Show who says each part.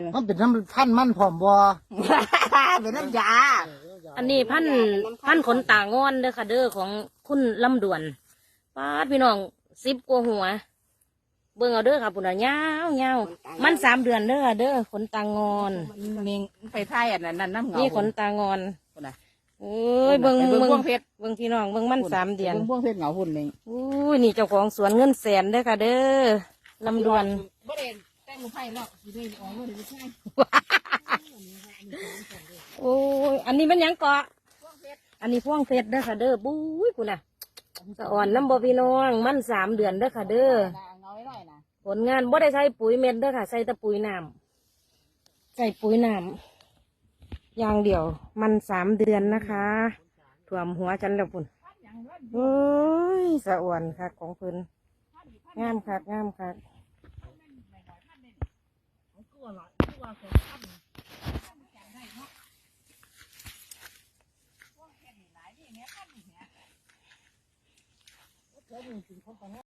Speaker 1: มันเป็นน้ำพันมันผอมบ่
Speaker 2: เป็นน้ำยา
Speaker 3: อันนี้พันขนตางอนเด้อค่ะเด้อของคุณลำดวนป้าดพี่น้อง10 กว่าหัว เบิ่งเอาเด้อค่ะปุ่นอ่ะยาวมัน3 เดือนเด้อค่ะเด้อขนตางอน
Speaker 2: นี่ไปไทยอันนั้นน้ำเงา
Speaker 3: นี่ขนตางอนเอ้ยเบิ่งพวงเพชรเบิ่งพี่น้องเบิ่งมัน3 เดือน
Speaker 2: เบิ่งพวงเพชรเงาหุ่นนี่
Speaker 3: อุ้ยนี่เจ้าของสวนเงินแสนเด้อค่ะเด้อลำดวน
Speaker 2: บ่ได้แต่งไผ่แล้วสิได้ออกบ่ได้ใช่
Speaker 3: โอ้ยอันนี้มันหยังเกาะอันนี้พวงเพชรเด้อค่ะเด้อบุ้ยกูน่ะสะอ่อนน้ำบ่พี่น้องมัน3 เดือนเด้อค่ะเด้อ
Speaker 2: เงาน้อยนะ
Speaker 3: ผลงานบ่ได้ใช้ปุ๋ยเม็ดเด้อค่ะใส่แต่ปุ๋ยน้ำใส่ปุ๋ยน้ำอย่างเดียวมัน3 เดือนนะคะถ่วมหัวฉันแล้วปุ่นโอ้ยสะอ่อนค่ะของเพิ่นงามค่ะงามค่ะ
Speaker 1: แล้วนี่กินข้าว